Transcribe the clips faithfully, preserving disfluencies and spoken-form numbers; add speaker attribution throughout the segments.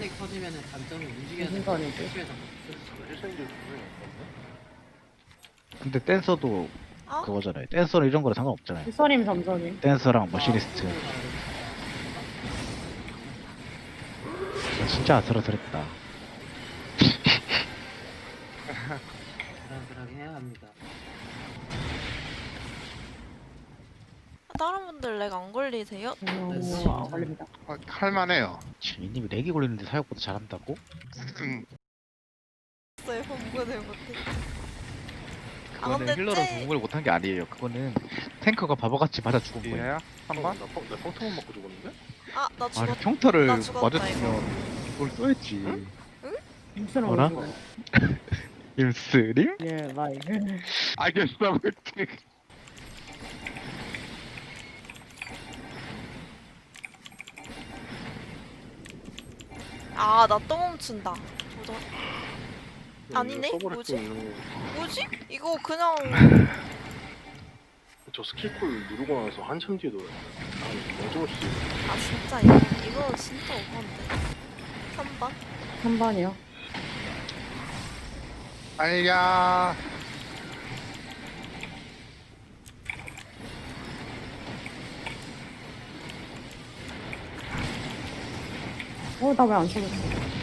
Speaker 1: 선이 커지면은 단점이 움직여야
Speaker 2: 무슨
Speaker 1: 돼.
Speaker 2: 선이지?
Speaker 1: 심해서
Speaker 3: 일생들 분명히 없던데?
Speaker 4: 근데 댄서도
Speaker 5: 어?
Speaker 4: 그거잖아요. 댄서는 이런 거랑 상관없잖아요.
Speaker 2: 일선임 삼선임.
Speaker 4: 댄서랑 머시니스트. 아, 진짜 아슬아슬했다.
Speaker 1: 그러그러게 해야 합니다.
Speaker 5: 다른 분들 렉 안 걸리세요?
Speaker 2: 오, 아, 걸립니다.
Speaker 3: 아, 할만해요.
Speaker 4: 지민님이 렉이 걸리는데 사역보다 잘한다고?
Speaker 3: 음,
Speaker 5: 없어요. 공부를 못해. 아,
Speaker 4: 그거는
Speaker 5: 근데
Speaker 4: 힐러로
Speaker 5: 쟤-
Speaker 4: 공을 못한 게 아니에요. 그거는 탱커가 바보같이 맞아 죽은 거예요.
Speaker 3: 이해야? 한 번? 나, 평- 나 평타만 맞고 죽었는데?
Speaker 5: 아, 나
Speaker 4: 아니
Speaker 5: 죽었.
Speaker 4: 평타를
Speaker 5: 나 죽었다,
Speaker 4: 맞았으면 그걸 써야지.
Speaker 2: 임수는
Speaker 4: 어라?
Speaker 2: 어디 있어요?
Speaker 4: 임스림?
Speaker 2: 예, 마이.
Speaker 3: 알겠어, 볼게.
Speaker 5: 아, 나 또 멈춘다. 도전. 아니네?
Speaker 3: 서버렉
Speaker 5: 뭐지?
Speaker 3: 있는
Speaker 5: 뭐지? 이거 그냥
Speaker 3: 저 스킬콜 누르고 나서 한참 뒤에 돌아요. 아, 너무 씨.
Speaker 5: 아 진짜 이거 이거 진짜 오버인데. 삼 번?
Speaker 2: 삼 번이요.
Speaker 3: 아야.
Speaker 2: 어, 나 왜 안 죽었어?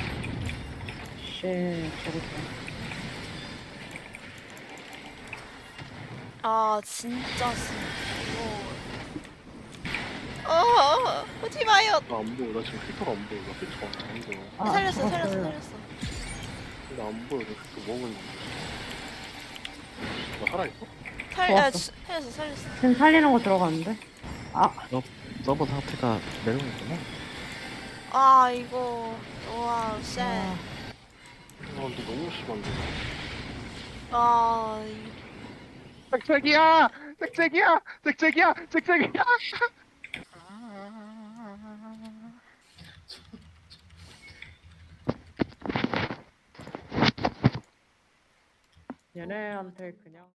Speaker 2: 쉣, 죽었다.
Speaker 5: 아 진짜 씨. 이거. 어, 오지 마요.
Speaker 3: 나안 보여. 나 지금 필터가 안 보여. 나 필터가 안 보여.
Speaker 2: 아,
Speaker 5: 살렸어, 살렸어,
Speaker 2: 죽었어요.
Speaker 5: 살렸어.
Speaker 3: 나안 보여. 나 필터 먹은. 나 살아있어?
Speaker 5: 살, 아,
Speaker 2: 좋았어.
Speaker 5: 주- 살렸어, 살렸어.
Speaker 2: 지금 살리는 거 들어갔는데? 아,
Speaker 4: 서버 상태가 내려오는구나.
Speaker 5: 아 이거 와 쉣.
Speaker 2: 아,
Speaker 3: 아, 근데 너무 심한데.
Speaker 5: 아 이-
Speaker 3: 잭잭이야! 잭잭이야! 잭잭이야! 잭잭이야!
Speaker 2: 얘네한테 그냥.